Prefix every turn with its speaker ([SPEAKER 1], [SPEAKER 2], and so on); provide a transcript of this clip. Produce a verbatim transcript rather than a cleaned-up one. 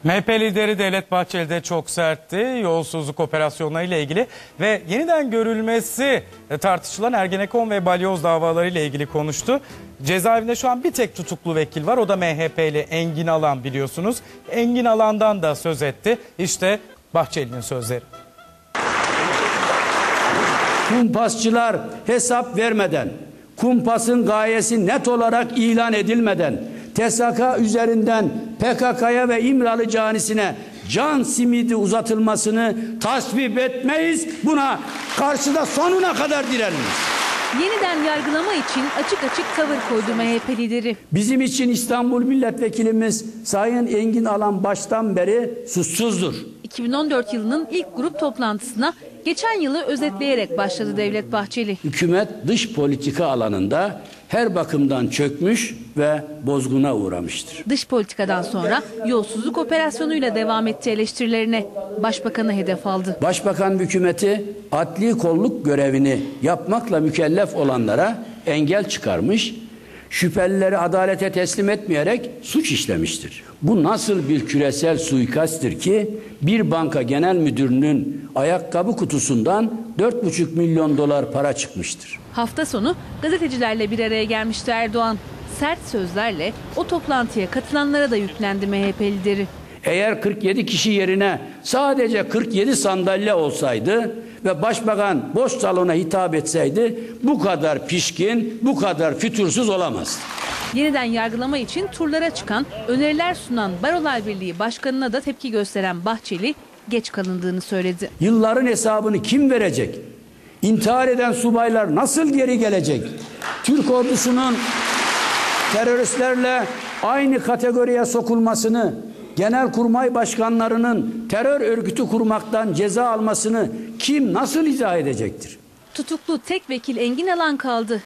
[SPEAKER 1] M H P lideri Devlet Bahçeli de çok sertti yolsuzluk operasyonlarıyla ilgili ve yeniden görülmesi tartışılan Ergenekon ve Balyoz davalarıyla ilgili konuştu. Cezaevinde şu an bir tek tutuklu vekil var, o da M H P'li Engin Alan, biliyorsunuz. Engin Alan'dan da söz etti. İşte Bahçeli'nin sözleri.
[SPEAKER 2] Kumpasçılar hesap vermeden, kumpasın gayesi net olarak ilan edilmeden, T S K üzerinden P K K'ya ve İmralı canisine can simidi uzatılmasını tasvip etmeyiz. Buna karşıda sonuna kadar direniriz.
[SPEAKER 3] Yeniden yargılama için açık açık tavır koydu M H P lideri.
[SPEAKER 2] Bizim için İstanbul Milletvekilimiz Sayın Engin Alan baştan beri suçsuzdur.
[SPEAKER 3] iki bin on dört yılının ilk grup toplantısına geçen yılı özetleyerek başladı Devlet Bahçeli.
[SPEAKER 2] Hükümet dış politika alanında her bakımdan çökmüş ve bozguna uğramıştır.
[SPEAKER 3] Dış politikadan sonra yolsuzluk operasyonuyla devam etti eleştirilerine. Başbakanı hedef aldı.
[SPEAKER 2] Başbakan hükümeti adli kolluk görevini yapmakla mükellef olanlara engel çıkarmış, şüphelileri adalete teslim etmeyerek suç işlemiştir. Bu nasıl bir küresel suikasttir ki bir banka genel müdürünün ayakkabı kutusundan dört buçuk milyon dolar para çıkmıştır.
[SPEAKER 3] Hafta sonu gazetecilerle bir araya gelmişti Erdoğan. Sert sözlerle o toplantıya katılanlara da yüklendi M H P lideri.
[SPEAKER 2] Eğer kırk yedi kişi yerine sadece kırk yedi sandalye olsaydı ve başbakan boş salona hitap etseydi bu kadar pişkin, bu kadar fütursuz olamaz.
[SPEAKER 3] Yeniden yargılama için turlara çıkan, öneriler sunan Barolar Birliği Başkanı'na da tepki gösteren Bahçeli geç kalındığını söyledi.
[SPEAKER 2] Yılların hesabını kim verecek? İntihar eden subaylar nasıl geri gelecek? Türk ordusunun teröristlerle aynı kategoriye sokulmasını, genelkurmay başkanlarının terör örgütü kurmaktan ceza almasını kim nasıl izah edecektir?
[SPEAKER 3] Tutuklu tek vekil Engin Alan kaldı.